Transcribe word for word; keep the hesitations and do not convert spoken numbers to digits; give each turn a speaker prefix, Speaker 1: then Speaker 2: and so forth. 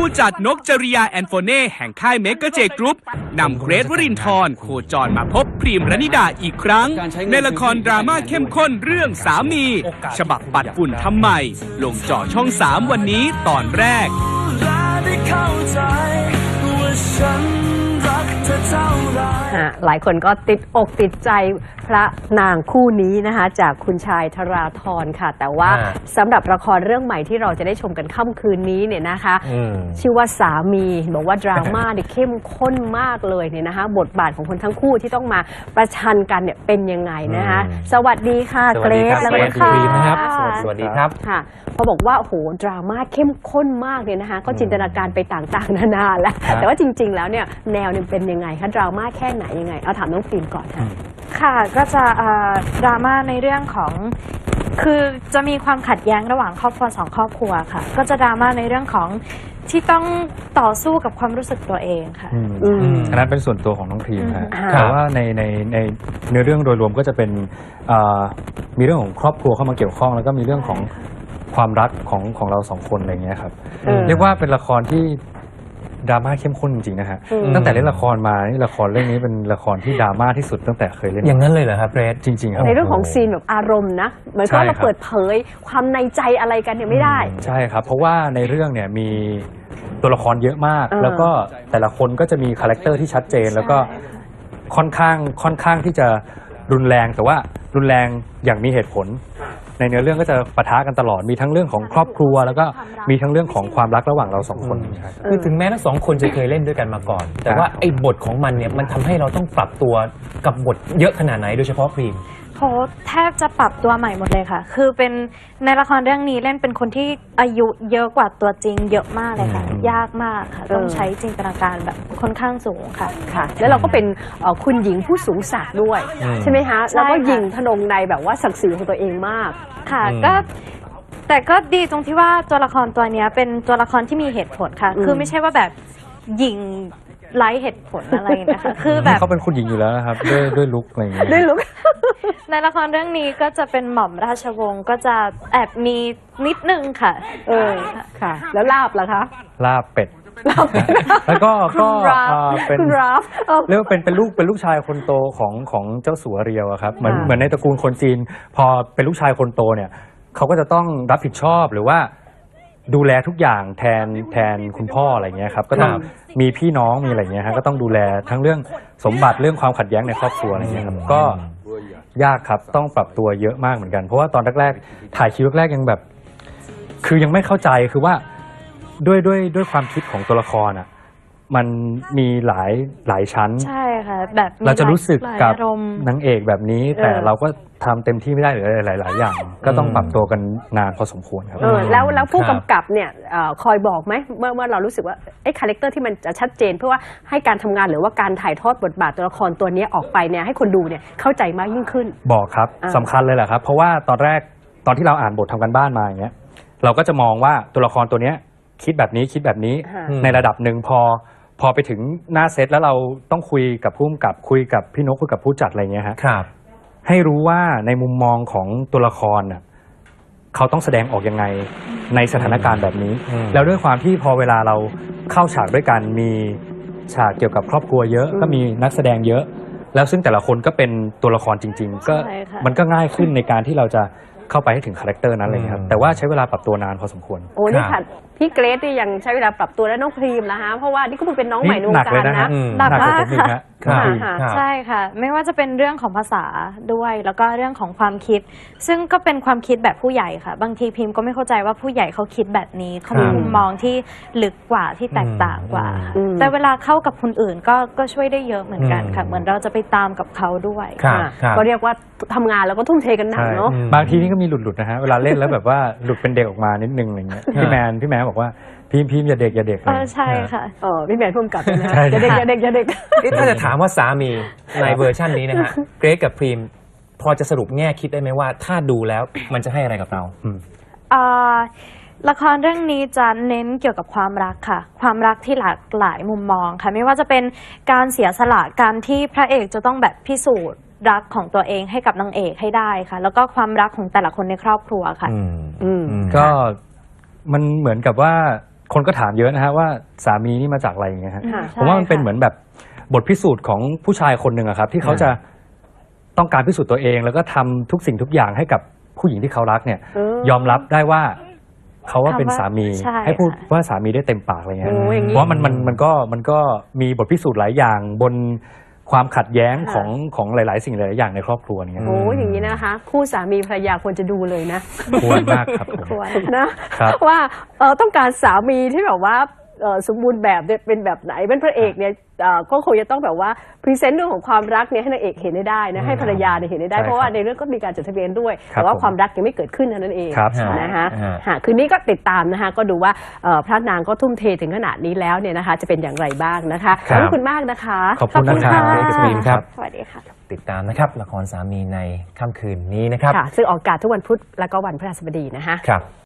Speaker 1: จัดนกจริยาแอนโฟเน่แห่งค่ายเมกะเจกรุ๊ปนำเกรทวรินทร์โคจรมาพบพรีมรณิดาอีกครั้งในละครดราม่าเข้มข้นเรื่องสามีฉบับปัดฝุ่นทำใหม่ลงจอช่องสามวันนี้ตอนแรก
Speaker 2: หลายคนก็ติดอกติดใจพระนางคู่นี้นะคะจากคุณชายธราธรค่ะแต่ว่าสำหรับละครเรื่องใหม่ที่เราจะได้ชมกันค่ำคืนนี้เนี่ยนะคะชื่อว่าสามีบอกว่าดราม่าเนี่ยเข้มข้นมากเลยเนี่ยนะคะบทบาทของคนทั้งคู่ที่ต้องมาประชันกันเนี่ยเป็นยังไงนะคะสวัสดีค่ะเกรซและคุณค่ะ
Speaker 3: สวัสดีครับ
Speaker 2: ค่ะพอบอกว่าโหดราม่าเข้มข้นมากเนี่ยนะคะก็จินตนาการไปต่างๆนานาแล้วแต่ว่าจริงๆแล้วเนี่ยแนวเนี่ยเป็นยังไงคะดราม่าแค่ไหนยังไงเอาถามน้องฟิล์มก่อนค่ะ
Speaker 4: ค่ะก็จะดราม่าในเรื่องของคือจะมีความขัดแย้งระหว่างครอบครัวสองครอบครัวค่ะก็จะดราม่าในเรื่องของที่ต้องต่อสู้กับความรู้สึกตัวเองค่ะ
Speaker 3: อันนั้นเป็นส่วนตัวของน้องพรีมค่ะแต่ว่าในในในเนื้อเรื่องโดยรวมก็จะเป็นมีเรื่องของครอบครัวเข้ามาเกี่ยวข้องแล้วก็มีเรื่องของความรักของของเราสองคนอะไรเงี้ยครับเรียกว่าเป็นละครที่ดราม่าเข้มข้นจริงๆนะฮะตั้งแต่เล่นละครมานี่ละครเรื่องนี้เป็นละครที่ดราม่าที่สุดตั้งแต่เคยเล่น
Speaker 5: อย่างนั้นเลยเหรอครับเรด
Speaker 3: จริงๆครับ
Speaker 2: ในเรื่องของซีนแบบอารมณ์นะเหมือนกับเราเปิดเผยความในใจอะไรกันเนี่ยไม่ได้
Speaker 3: ใช่ครับเพราะว่าในเรื่องเนี่ยมีตัวละครเยอะมากแล้วก็แต่ละคนก็จะมีคาแรคเตอร์ที่ชัดเจนแล้วก็ค่อนข้างค่อนข้างที่จะรุนแรงแต่ว่ารุนแรงอย่างมีเหตุผลในเนื้อเรื่องก็จะปะทะกันตลอดมีทั้งเรื่องของครอบครัวแล้วก็มีทั้งเรื่องของความรักระหว่างเราสองคน
Speaker 5: คือถึงแม้ทั้งสองคนจะเคยเล่นด้วยกันมาก่อนแต่ว่าไอ้บทของมันเนี่ยมันทำให้เราต้องปรับตัวกับบทเยอะขนาดไหนโดยเฉพาะพรีม
Speaker 4: โหแทบจะปรับตัวใหม่หมดเลยค่ะคือเป็นในละครเรื่องนี้เล่นเป็นคนที่อายุเยอะกว่าตัวจริงเยอะมากเลยค่ะยากมากค่ะต้องใช้จินตนาการแบบค่อนข้างสูงค่ะ
Speaker 2: ค่ะแล้วเราก็เป็นคุณหญิงผู้สูงศักดิ์ด้วยใช่ไหมคะแล้วก็หญิงทนงในแบบว่าศักดิ์ศรีของตัวเองมาก
Speaker 4: ค่ะก็แต่ก็ดีตรงที่ว่าตัวละครตัวนี้เป็นตัวละครที่มีเหตุผลค่ะคือไม่ใช่ว่าแบบหญิงไร้เหตุผลอะไรนะคะคือแบบ
Speaker 3: เขาเป็นคุณหญิงอยู่แล้วนะครับด้วยด้วยลุคอะไรอย่างเงี้ย
Speaker 2: ด้วยลุค
Speaker 4: ในละครเรื่องนี้ก็จะเป็นหม่อมราชวงศ์ก็จะแอบมีนิดนึงค่ะ
Speaker 2: เออค่ะแล้วลาบล่ะคะ
Speaker 3: ลาบเป็ดแล้วก็ก็เป็นเรียกว่าเป็นเป็นลูกเป็นลูกชายคนโตของของเจ้าสัวเรียวครับเหมือนเหมือนในตระกูลคนจีนพอเป็นลูกชายคนโตเนี่ยเขาก็จะต้องรับผิดชอบหรือว่าดูแลทุกอย่างแทนแทนคุณพ่ออะไรเงี้ยครับก็ต้องมีพี่น้องมีอะไรเงี้ยฮะก็ต้องดูแลทั้งเรื่องสมบัติเรื่องความขัดแย้งในครอบครัวอะไรเงี้ยครับก็ยากครับต้องปรับตัวเยอะมากเหมือนกันเพราะว่าตอนแรกๆถ่ายคิวแรกๆยังแบบคือยังไม่เข้าใจคือว่าด้วยด้วยด้วยความคิดของตัวละครอ่ะมันมีหลายหลายชั้น
Speaker 4: ใช่ค่ะแบบ
Speaker 3: เราจะรู้สึกกับนางเอกแบบนี้แต่เราก็ทำเต็มที่ไม่ได้หรือหลายๆอย่างก็ต้องปรับตัวกันนานพอสมควรครับ
Speaker 2: แล้วแล้วผู้กำกับเนี่ยคอยบอกไหมเมื่อเมื่อเรารู้สึกว่าไอ้คาแรคเตอร์ที่มันจะชัดเจนเพื่อว่าให้การทำงานหรือว่าการถ่ายทอดบทบาทตัวละครตัวนี้ออกไปเนี่ยให้คนดูเนี่ยเข้าใจมากยิ่งขึ้น
Speaker 3: บอกครับสำคัญเลยแหละครับเพราะว่าตอนแรกตอนที่เราอ่านบททำกันบ้านมาอย่างเงี้ยเราก็จะมองว่าตัวละครตัวเนี้ยคิดแบบนี้คิดแบบนี้ในระดับหนึ่งพอพอไปถึงหน้าเซตแล้วเราต้องคุยกับผู้กำกับคุยกับพี่นกคุยกับผู้จัดอะไรเงี้ยฮะให้รู้ว่าในมุมมองของตัวละครน่ะเขาต้องแสดงออกยังไงในสถานการณ์แบบนี้แล้วด้วยความที่พอเวลาเราเข้าฉากด้วยกันมีฉากเกี่ยวกับครอบครัวเยอะก็มีนักแสดงเยอะแล้วซึ่งแต่ละคนก็เป็นตัวละครจริงๆก็มันก็ง่ายขึ้นในการที่เราจะเข้าไปให้ถึงคาแรคเตอร์นั้นเลยครับแต่ว่าใช้เวลาปรับตัวนานพอสมควร
Speaker 2: โอ้นี่ค่ะพี่เกรซที่ยังใช้เวลาปรับตัวและน้องพรีมนะคะเพราะว่านี่ก็เป็นน้องใหม่ในวงการนะ
Speaker 4: หนักมากค่ะใช่ค่ะไม่ว่าจะเป็นเรื่องของภาษาด้วยแล้วก็เรื่องของความคิดซึ่งก็เป็นความคิดแบบผู้ใหญ่ค่ะบางทีพิมก็ไม่เข้าใจว่าผู้ใหญ่เขาคิดแบบนี้เขามีมุมมองที่ลึกกว่าที่แตกต่างกว่าแต่เวลาเข้ากับคนอื่นก็ก็ช่วยได้เยอะเหมือนกันค่ะเหมือนเราจะไปตามกับเขาด้วย
Speaker 2: ก็เรียกว่าทำงานแล้วก็ทุ่มเทกันหนักเนาะ
Speaker 3: บางทีนี่ก็มีหลุดๆนะฮะเวลาเล่นแล้วแบบว่าหลุดเป็นเด็กออกมานิดนึงอะไรเงี้ยพี่แมนพี่แมนบอกว่าพิมพิมอย่าเด็กอย่าเด็ก
Speaker 4: เลยใช่ค่ะ
Speaker 2: เออพี่แมนพุ่มกลับนะอย่าเด็กอย่าเด็กอย่าเด็ก
Speaker 5: ถ้าจะถามว่าสามีในเวอร์ชันนี้นะฮะเกรซกับพรีมพอจะสรุปแง่คิดได้ไหมว่าถ้าดูแล้วมันจะให้อะไรกับเรา
Speaker 4: ละครเรื่องนี้จะเน้นเกี่ยวกับความรักค่ะความรักที่หลากหลายมุมมองค่ะไม่ว่าจะเป็นการเสียสละการที่พระเอกจะต้องแบบพิสูจน์รักของตัวเองให้กับนางเอกให้ได้ค่ะแล้วก็ความรักของแต่ละคนในครอบครัวค่ะ
Speaker 3: ก็มันเหมือนกับว่าคนก็ถามเยอะนะฮะว่าสามีนี่มาจากอะไรอย่างเงี้ยฮะ
Speaker 2: ค่ะ
Speaker 3: ผมว่ามันเป็นเหมือนแบบบทพิสูจน์ของผู้ชายคนหนึ่งอะครับที่เขาจะต้องการพิสูจน์ตัวเอง แล้วก็ทำทุกสิ่งทุกอย่างให้กับผู้หญิงที่เขารักเนี่ย
Speaker 2: เออย
Speaker 3: อมรับได้ว่าเขาว่าเป็นสามี
Speaker 4: ใช่
Speaker 3: ให้พูด
Speaker 4: ค่ะ
Speaker 3: ว่าสามีได้เต็มปากอะไรเงี้ย
Speaker 2: โอ้อย่างนี้
Speaker 3: เพราะว่ามันมันมันก็มันก็มีบทพิสูจน์หลายอย่างบนความขัดแย้ง
Speaker 2: ค่ะ
Speaker 3: ของของหลาย ๆ สิ่งหลาย ๆ อย่างในครอบครัวเนี่ย
Speaker 2: โอ้อย่างนี้นะคะ คู่สามีภรรยาควรจะดูเลยนะ
Speaker 3: ควรมากครับผม
Speaker 4: ควร
Speaker 2: นะครับ ว่าเออต้องการสามีที่แบบว่าเอ่อสมบูรณ์แบบเนี่ยเป็นแบบไหนเป็นพระเอกเนี่ยเอ่อก็คงจะต้องแบบว่าพรีเซนต์เรื่องของความรักเนี่ยให้นางเอกเห็นได้นะให้ภรรยาเนี่ยเห็นได้
Speaker 3: ใช่
Speaker 2: เพราะว่า
Speaker 3: ครับ
Speaker 2: ในเรื่องก็มีการจดทะเบียนด้วย
Speaker 3: ครับ
Speaker 2: แต่ว่า
Speaker 3: ผม
Speaker 2: ความรักยังไม่เกิดขึ้นเท่านั้นเอง
Speaker 3: ครับ
Speaker 2: นะคะ
Speaker 5: ฮะ
Speaker 2: ฮะคืนนี้ก็ติดตามนะคะก็ดูว่าเอ่อพระนางก็ทุ่มเทถึงขนาดนี้แล้วเนี่ยนะคะจะเป็นอย่างไรบ้างนะคะ
Speaker 3: ครับ
Speaker 2: ขอบคุณมากนะคะ
Speaker 3: ขอบคุณนะครับ
Speaker 2: ขอบ
Speaker 3: เอกสมินครับ
Speaker 4: สวัสดีค่ะ
Speaker 5: ติดตามนะครับละครสามีในค่ำคืนนี้นะครับ
Speaker 2: ค่ะซึ่งออกอากาศทุกวันพุธและก็วันพฤหัสบดีนะคะ
Speaker 5: ครับ